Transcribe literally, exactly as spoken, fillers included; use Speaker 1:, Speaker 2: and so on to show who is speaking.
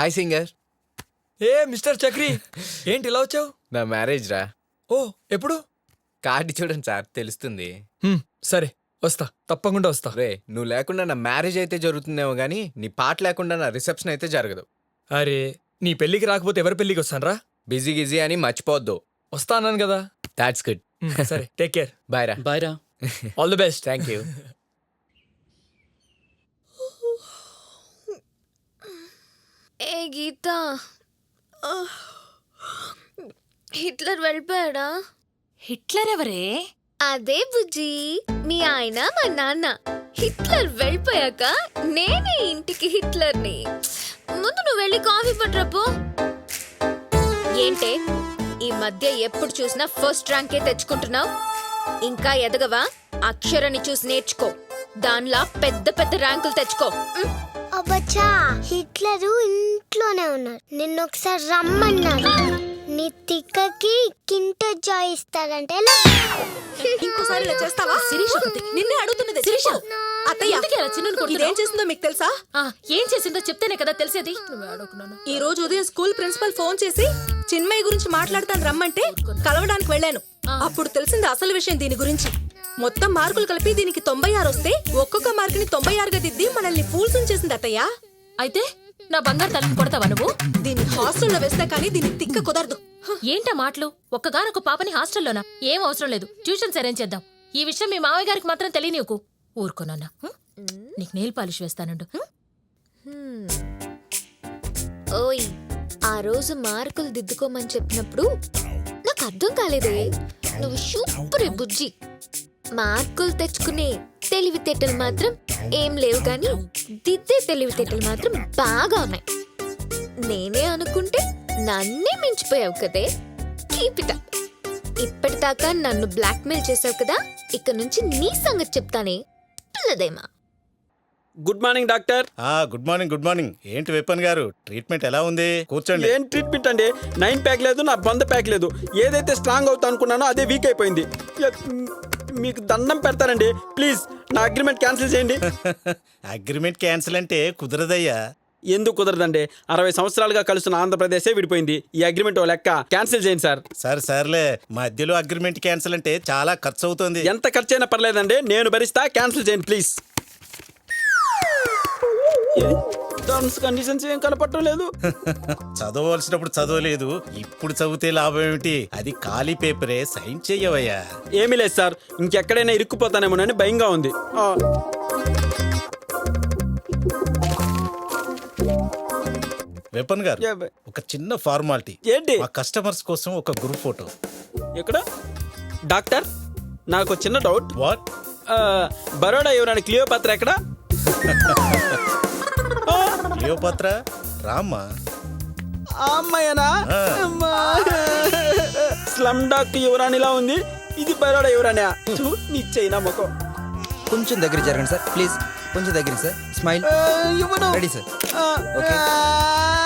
Speaker 1: Hi singer.
Speaker 2: ఏ mister Chakri, ఏంటి ఇలా వచ్చావు?
Speaker 1: నా మ్యారేజ్ రా.
Speaker 2: ఓ ఎప్పుడు?
Speaker 1: కార్డు చూడండి సార్, తెలుస్తుంది.
Speaker 2: హ్మ్, సరే వస్తా, తప్పకుండా వస్తా.
Speaker 1: రే, నువ్వు లేకుండా నా మ్యారేజ్ అయితే జరుగుతుందేమో కానీ నీ పాట లేకుండా నా రిసెప్షన్ అయితే జరగదు.
Speaker 2: అరే, నీ పెళ్ళికి రాకపోతే ఎవరి పెళ్ళికి వస్తానరా?
Speaker 1: బిజీ గిజీ అని మర్చిపోవద్దు.
Speaker 2: వస్తా అన్నాను కదా.
Speaker 1: That's good.
Speaker 2: హ్మ్, సరే, టేక్ కేర్.
Speaker 1: బాయ్ రా.
Speaker 3: బాయ్ రా.
Speaker 2: All the best.
Speaker 1: Thank you.
Speaker 4: ఏ గీత, హిట్లర్ వెళ్ళిపోయాడా?
Speaker 5: హిట్లర్ ఎవరే?
Speaker 4: అదే బుజ్జి, మీ ఆయన మా నాన్న. హిట్లర్ వెళ్ళిపోయాక నేనే ఇంటికి హిట్లర్ని. ముందు నువ్వు వెళ్ళి కాఫీ పట్టరాపో. ఏంటే ఈ మధ్య ఎప్పుడు చూసినా ఫస్ట్ ర్యాంకే తెచ్చుకుంటున్నావు? ఇంకా ఎదగవా? అక్షరాన్ని చూసి నేర్చుకో, దానిలా పెద్ద పెద్ద ర్యాంకులు తెచ్చుకో.
Speaker 6: అబ్బచ్చా, హిట్లరు ఇంట్లోనే ఉన్నారు, నిన్న ఒకసారి రమ్మన్నారు. నీ తిక్కకి కింట జాయ్ ఇస్తారంటే
Speaker 5: ఇంకోసారి ఇలా చేస్తావా? శిరీష, నిన్నే అడుగుతున్నది. శిరీష, అత్తయ్య ఇదేం చేసిందో మీకు తెలుసా?
Speaker 7: ఏం చేసిందో చెప్తేనే కదా తెలిసేది.
Speaker 5: ఈ రోజు ఉదయం స్కూల్ ప్రిన్సిపల్ ఫోన్ చేసి చిన్మయ్య గురించి మాట్లాడతాను రమ్మంటే కలవడానికి వెళ్ళాను. అప్పుడు తెలిసింది అసలు విషయం దీని గురించి. మొత్తం మార్కులు కలిపి దీనికి తొంభై ఆరు వస్తే ఒక్కొక్క మార్కుని తొంభై ఆరుగా దిద్ది మనల్ని ఫూల్స్ చేసింది అత్తయ్య.
Speaker 7: అయితే నా బంగారు తల్లిని కొడతావా నువ్వు?
Speaker 5: దీన్ని హాస్టల్లో వేస్తే కానీ దీన్ని తిక్క కుదరదు.
Speaker 7: ఏంటా మాటలు? ఒక్కగానొక్క పాపని హాస్టల్లోనా? ఏం అవసరం లేదు, ట్యూషన్స్ అరేంజ్ చేద్దాం. ఈ విషయం మీ మామయ్య గారికి మాత్రం తెలియనివ్వకు. ఊరుకోనన్నా, నీకు నెయిల్ పాలిష్ వేస్తానండు.
Speaker 4: ఓయ్, ఆ రోజు మార్కులు దిద్దుకోమని చెప్పినప్పుడు నాకు అర్థం కాలేదే. నువ్వు సూపరే బుజ్జి. మార్కులు తెచ్చుకునే తెలివితేటలు మాత్రం ఏం లేవు, కానీ దిద్దే తెలివితేటలు మాత్రం బాగా ఉన్నాయి. నేనే అనుకుంటే నన్నే మించిపోయావు కదే. Keep it up. ఇప్పటిదాకా నన్ను బ్లాక్మెయిల్ చేసావు కదా, ఇక నుంచి నీ సంగతి చెప్తానే పిల్లదేమా.
Speaker 8: Good morning doctor.
Speaker 9: Good morning good morning. ఏంటి విపన్ గారు, ట్రీట్మెంట్ ఎలా ఉంది? కూర్చోండి.
Speaker 8: ఏం ట్రీట్మెంట్ అండి? నైన్ ప్యాక్ లేదు, నా బంద ప్యాక్ లేదు. ఏదైతే స్ట్రాంగ్ అవుతా అనుకున్నానో అదే వీక్ అయిపోయింది. మీకు దండం పెడతారండి, ప్లీజ్ నా అగ్రిమెంట్ క్యాన్సిల్ చేయండి.
Speaker 9: అగ్రిమెంట్ క్యాన్సిల్ అంటే కుదరదయ్యా.
Speaker 8: ఎందుకు కుదరదండి? అరవై సంవత్సరాలుగా కలుస్తున్న ఆంధ్రప్రదేశే విడిపోయింది. ఈ అగ్రిమెంట్ ఓ లెక్క, క్యాన్సిల్ చేయండి సార్.
Speaker 9: సార్ సర్లే, మధ్యలో అగ్రిమెంట్ క్యాన్సిల్ అంటే చాలా ఖర్చు అవుతుంది.
Speaker 8: ఎంత ఖర్చు అయినా పర్లేదండి, నేను భరిస్తా. క్యాన్సిల్ చేయండి ప్లీజ్. టర్మ్స్ కండిషన్స్ ఏం కనపడటం లేదు.
Speaker 9: చదవలసినప్పుడు చదవలేదు, ఇప్పుడు చదివితే లాభం ఏమిటి? అది ఖాళీ పేపరే, సైన్ చెయ్యవయ్యా.
Speaker 8: ఏమీ లేదు సార్, ఇంకెక్కడైనా ఇరుక్కుపోతానేమోనని భయంగా ఉంది.
Speaker 9: విపన్ గారు, ఒక చిన్న ఫార్మాలిటీ.
Speaker 8: ఏంటి?
Speaker 9: మా కస్టమర్స్ కోసం ఒక గ్రూప్ ఫోటో.
Speaker 8: ఎక్కడ? డాక్టర్, నాకు చిన్న డౌట్.
Speaker 9: వాట్?
Speaker 8: బరోడా యువరాణి క్లియోపాత్ర ఎక్కడ?
Speaker 9: క్లియోపాత్ర రామ్మా.
Speaker 8: అమ్మాయనా? స్లమ్ డాక్ యువరాణిలా ఉంది, ఇది బరోడా యువరాణి. నిశ్చయినా మొఖం.
Speaker 3: కొంచెం దగ్గర జరగండి సార్, ప్లీజ్. కొంచెం దగ్గర sir. Smile. Ready sir. Okay.